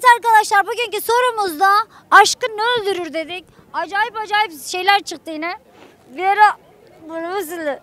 Evet arkadaşlar, bugünkü sorumuzda aşkı ne öldürür dedik. Acayip şeyler çıktı yine. Bir ara bunu sildi.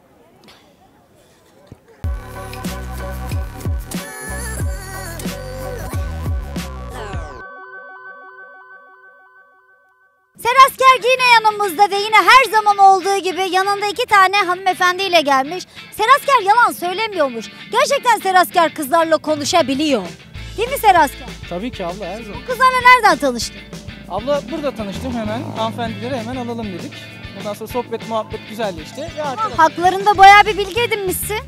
Serasker yine yanımızda ve yine her zaman olduğu gibi yanında 2 tane hanımefendiyle gelmiş. Serasker yalan söylemiyormuş. Gerçekten Serasker kızlarla konuşabiliyor. Değil mi Serasker? Tabii ki abla, her zaman. Bu kızlarla nereden tanıştın? Abla burada tanıştım hemen. Hanımefendileri hemen alalım dedik. Ondan sonra sohbet muhabbet güzelleşti. Ve Haklarında bayağı bir bilgi edinmişsin.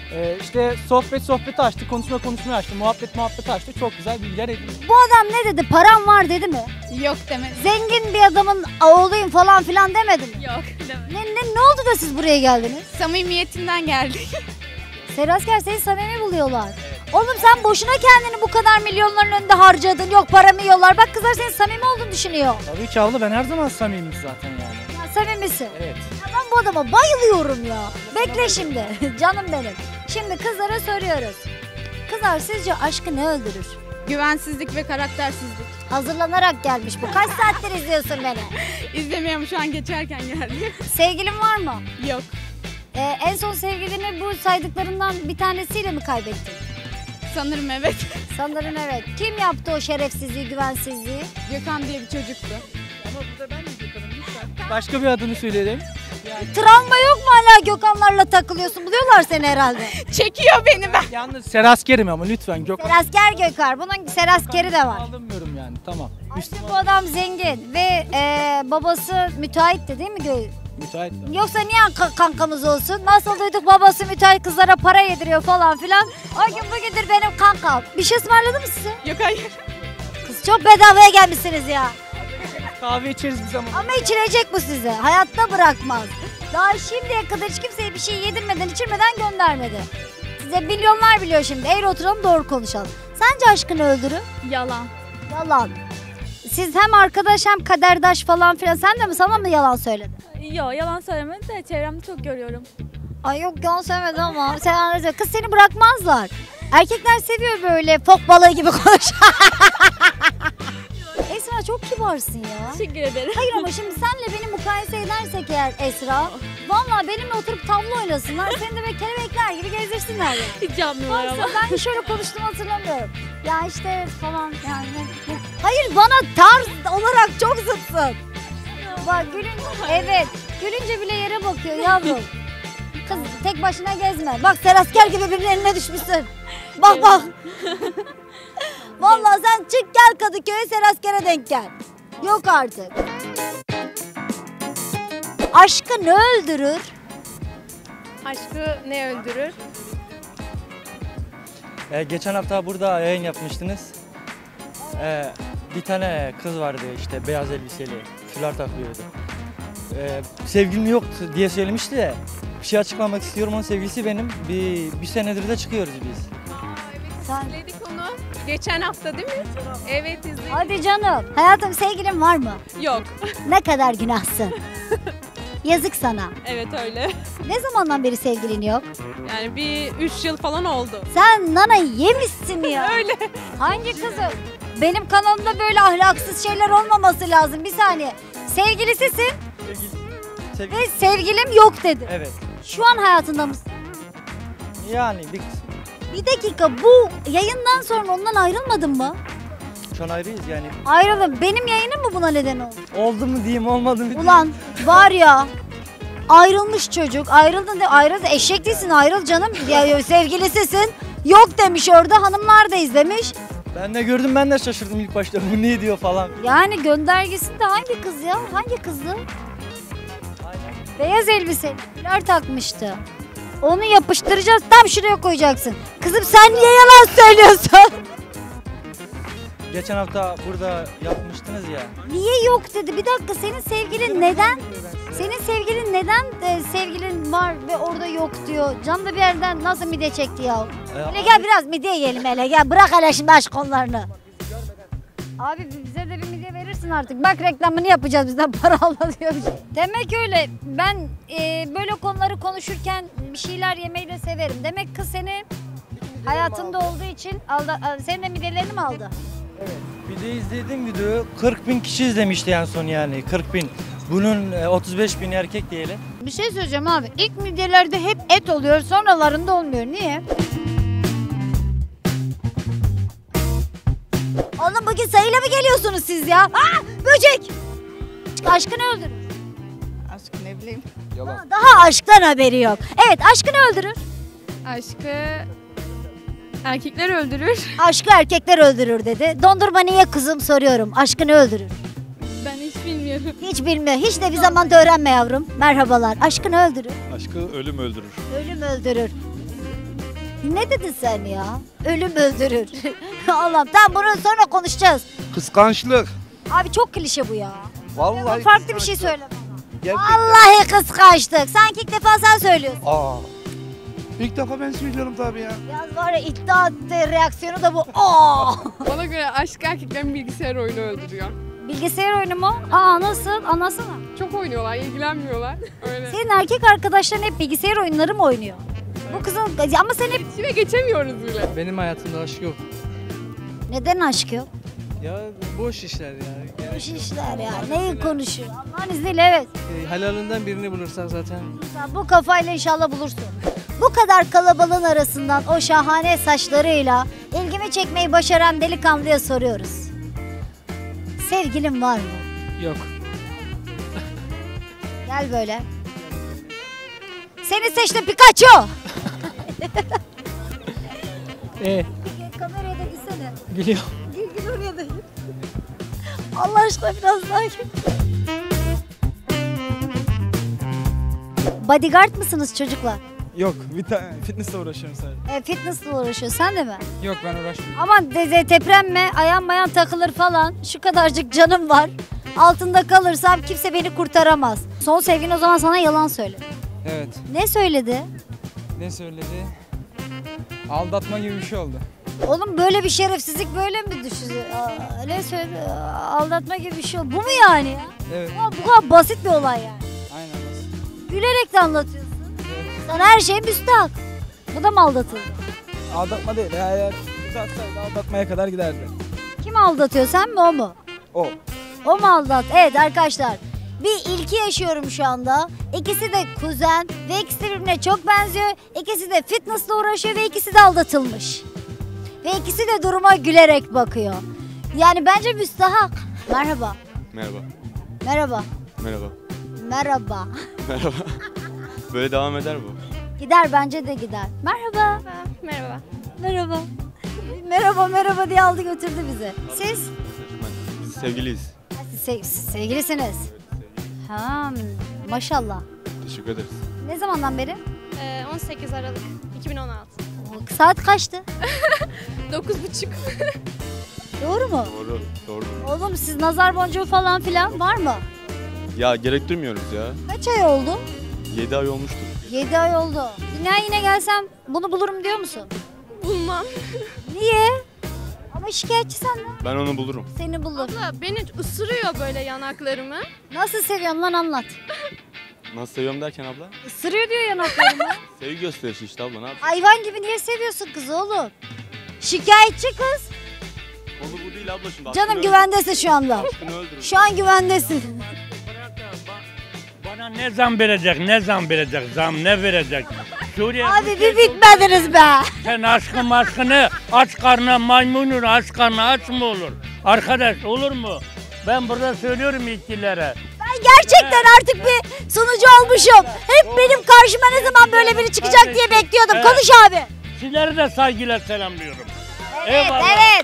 işte sohbeti açtı, konuşmayı açtı, muhabbet açtı. Çok güzel bilgiler edindik. Bu adam ne dedi? Param var dedi mi? Yok demedi. Zengin bir adamın oğluyum falan filan demedi mi? Yok demedi. Ne oldu da siz buraya geldiniz? Samimiyetinden geldik. Serasker seni samimi buluyorlar. Oğlum sen boşuna kendini bu kadar milyonların önünde harcadın. Yok paramı yiyorlar. Bak kızlar senin samimi olduğunu düşünüyor. Tabii ki abla, ben her zaman samimiyim zaten yani. Ya samimisin. Evet. Ya ben bu adama bayılıyorum ya. Bekle şimdi. Canım benim. Şimdi kızlara soruyoruz. Kızlar sizce aşkı ne öldürür? Güvensizlik ve karaktersizlik. Hazırlanarak gelmiş bu. Kaç saattir izliyorsun beni? İzlemiyorum, şu an geçerken geldi. Sevgilin var mı? Yok. En son sevgilini bu saydıklarından bir tanesiyle mi kaybettin? Sanırım evet. Sanırım evet. Kim yaptı o şerefsizliği, güvensizliği? Gökhan diye bir çocuktu. Ama burada ben de Gökhan'ım lütfen. Başka bir adını söyleyelim. Travma yok mu hala Gökhanlarla takılıyorsun? Buluyorlar seni herhalde. Çekiyor beni ben. Yalnız Serasker'im ama lütfen Gökhan. Serasker Gökhan. Bunun Seraskeri de var. Alınmıyorum yani, tamam. İşte bu adam zengin ve babası müteahhitti değil mi? Müsait mi? Yoksa niye kankamız olsun? Nasıl duyduk babası müteahhit kızlara para yediriyor falan filan. O gün bugündür benim kankam. Bir şey ısmarladı mı size? Yok hayır. Kız çok bedavaya gelmişsiniz ya. Kahve içeriz biz ama. Ama içirecek bu size. Hayatta bırakmaz. Daha şimdiye kadar hiç kimseye bir şey yedirmeden içirmeden göndermedi. Size milyonlar biliyor şimdi. Eğri oturalım doğru konuşalım. Sence aşkını öldürür? Yalan. Yalan. Siz hem arkadaş hem kaderdaş falan filan. Sen de mi, sana mı yalan söyledi? Yok, yalan söylemedi de çevremde çok görüyorum. Ay yok yalan söylemedi ama sen anlayacak. Kız seni bırakmazlar. Erkekler seviyor böyle fok balığı gibi konuşan. Esra çok kibarsın ya. Teşekkür ederim. Hayır ama şimdi senle beni mukayese edersek eğer Esra, vallahi benimle oturup tavla oynasınlar, seni de böyle kelebekler gibi gezdirsinler ya. Hiç yapmıyorlar ama. Varsa ben şöyle konuştuğumu hatırlamıyorum. Ya işte falan yani. Hayır bana tarz olarak çok zıtsın. Bak gülünce, evet gülünce bile yere bakıyor yavrum. Kız tek başına gezme. Bak Serasker gibi birinin eline düşmüşsün. Bak bak. Vallahi sen çık gel Kadıköy'e Serasker'e denk gel. Yok artık. Aşkı ne öldürür? Aşkı ne öldürür? Geçen hafta burada yayın yapmıştınız. Bir tane kız vardı işte beyaz elbiseli, fular takıyordu. Sevgilim yoktu diye söylemişti de bir şey açıklamak istiyorum, onun sevgilisi benim. Bir senedir de çıkıyoruz biz. Sen... İzledik onu. Geçen hafta değil mi? Evet izledik. Hadi canım. Hayatım sevgilin var mı? Yok. Ne kadar günahsın. Yazık sana. Evet öyle. Ne zamandan beri sevgilin yok? Yani bir 3 yıl falan oldu. Sen nana yemişsin ya. Öyle. Hangi kızı? Benim kanalımda böyle ahlaksız şeyler olmaması lazım. Bir saniye. Sevgilisisin ve sevgilim yok dedi. Evet. Şu an hayatında mısın? Yani Bir dakika, bu yayından sonra ondan ayrılmadın mı? şu an ayrıyız yani. Ayrıldım. Benim yayınım mı buna neden oldu? Oldu mu diyeyim, olmadı mı diyeyim. Ulan var ya, ayrılmış çocuk. Ayrıldın de ayrıl. Eşek değilsin, ayrıl canım. Ya, sevgilisisin. Yok demiş orada, hanımlar da izlemiş. Ben de gördüm, ben de şaşırdım ilk başta. Bu ne diyor falan. Yani göndergesinde hangi kız ya? Hangi kızdı? Beyaz elbiseli. Fular takmıştı. Onu yapıştıracağız, tam şuraya koyacaksın. Kızım sen niye yalan söylüyorsun? Geçen hafta burada yapmıştınız ya. Niye yok dedi. Bir dakika, senin sevgilin neden? Senin sevgilin neden sevgilin var ve orada yok diyor. Can da bir yerden nasıl mide çekti ya. Hele gel biraz midye yiyelim hele gel. Bırak hele şimdi aşk konularını. Abi bize de bir midye verirsin artık. Bak reklamını yapacağız, bizden para alma diyormuş. Demek öyle. Ben böyle konuları konuşurken bir şeyler yemeyi de severim. Demek kız seni hayatında olduğu için aldı, senin de midyelerini mi aldı? Bir de izlediğim video 40 bin kişi izlemişti en son yani 40 bin. Bunun 35 bin erkek diyelim. Bir şey söyleyeceğim abi. İlk midjelerde hep et oluyor, sonralarında olmuyor. Niye? Oğlum bugün sayıyla mı geliyorsunuz siz ya? Aa, böcek! Aşkını öldürür. Aşk ne bileyim. Daha aşktan haberi yok. Evet, aşkını öldürür. Aşkı erkekler öldürür. Aşkı erkekler öldürür dedi. Dondurma niye kızım soruyorum. Aşkını öldürür. Ben hiç bilmiyorum. Hiç bilmiyor. Hiç de bir zaman da öğrenme yavrum. Merhabalar. Aşkını öldürür. Aşkı ölüm öldürür. Ölüm öldürür. Ne dedin sen ya? Ölüm öldürür. Allah'ım tamam bunu sonra konuşacağız. Kıskançlık. Abi çok klişe bu ya. Vallahi Farklı bir şey söyle bana. Gerçekten. Vallahi kıskançlık. Sanki ilk defa sen söylüyorsun. Aa. İlk defa ben söylüyorum tabii ya. Yalnız var ya iddia reaksiyonu da bu. Aa! Bana göre aşk erkeklerin bilgisayar oyunu öldürüyor. Bilgisayar oyunu mu? Aa nasıl? Anlatsana. Çok oynuyorlar, ilgilenmiyorlar. Öyle. Senin erkek arkadaşların hep bilgisayar oyunları mı oynuyor? Bu kızın ama sen hep İçine geçemiyoruz bile. Benim hayatımda aşk yok. neden aşk yok? Ya boş işler ya. Boş işler ya. Neyi konuşuyor? Allah'ın izniyle evet. Halalından birini bulursan zaten. Sen bu kafayla inşallah bulursun. Bu kadar kalabalığın arasından o şahane saçlarıyla ilgimi çekmeyi başaran delikanlıya soruyoruz. Sevgilin var mı? Yok. Gel böyle. Seni seçtim Pikachu. Kameraya da gitsene. Gülüyor. Gül oraya da gül. Allah aşkına biraz daha gül. Bodyguard mısınız çocuklar? Yok, bir tane fitnessle uğraşıyorum sadece. Fitness'la uğraşıyor. Sen de mi? Yok ben uğraşmıyorum. Aman teprenme, ayağım bayan takılır falan. Şu kadarcık canım var. Altında kalırsam kimse beni kurtaramaz. Son sevgin o zaman sana yalan söyledi. Evet. Ne söyledi? Ne söyledi? Aldatma gibi bir şey oldu. Oğlum böyle bir şerefsizlik böyle mi düşünüyor? Ne söyledi? Aldatma gibi bir şey oldu. Bu mu yani ya? Evet. Bu kadar basit bir olay yani. Aynen nasıl? Gülerek de anlatıyorsun. Evet. Sana her şey müstahak. Bu da mı aldatıldı? Aldatma değil. Eğer uzatsaydı aldatmaya kadar giderdi. Kim aldatıyor, sen mi o mu? O. O mu aldat? Evet arkadaşlar. Bir ilki yaşıyorum şu anda. İkisi de kuzen ve ikisi de birbirine çok benziyor. İkisi de fitnessle uğraşıyor ve ikisi de aldatılmış. Ve ikisi de duruma gülerek bakıyor. Yani bence müstahak. Merhaba. Merhaba. Merhaba. Merhaba. Merhaba. Merhaba. Böyle devam eder bu. Gider bence de gider. Merhaba. Merhaba. Merhaba. Merhaba diye aldı götürdü bizi. Siz? Biz sevgiliyiz. Siz sevgilisiniz. Ha, maşallah. Teşekkür ederiz. Ne zamandan beri? 18 Aralık 2016. Saat kaçtı? 9.30. Doğru mu? Doğru. Doğru. Oğlum siz nazar boncuğu falan filan var mı? Ya gerektirmiyoruz ya. Kaç ay oldu? 7 ay olmuştur. 7 ay oldu. Dünya yine gelsem bunu bulurum diyor musun? Bulmam. Niye? Ama şikayetçi senden. Ben onu bulurum. Seni bulur. Abla beni ısırıyor böyle yanaklarımı. Nasıl seviyorsun lan anlat. Nasıl seviyorum derken abla? Isırıyor diyor yanaklarımı. Sevgi gösterişi işte abla, ne yapayım? Hayvan gibi niye seviyorsun kızı oğlum? Şikayetçi kız. Konu bu değil abla şimdi. Canım Aşkını güvendesin şu anda. Aşkını öldürür. Şu an güvendesin. Bana ne zam verecek, ne zam verecek, zam ne verecek? Suriye Abi bir bitmediniz be. sen aşkını aç karnına maymunun aç karnına aç mı olur? Arkadaş olur mu? Ben burada söylüyorum yetkililere. Ben gerçekten artık bir sunucu olmuşum. Hep benim karşıma ne zaman böyle biri çıkacak diye bekliyordum. Evet. Konuş abi. Sizleri de saygıyla selamlıyorum. Evet, Eyvallah. evet.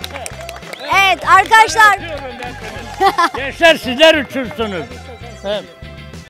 Evet arkadaşlar. Gençler sizler uçursunuz. Evet.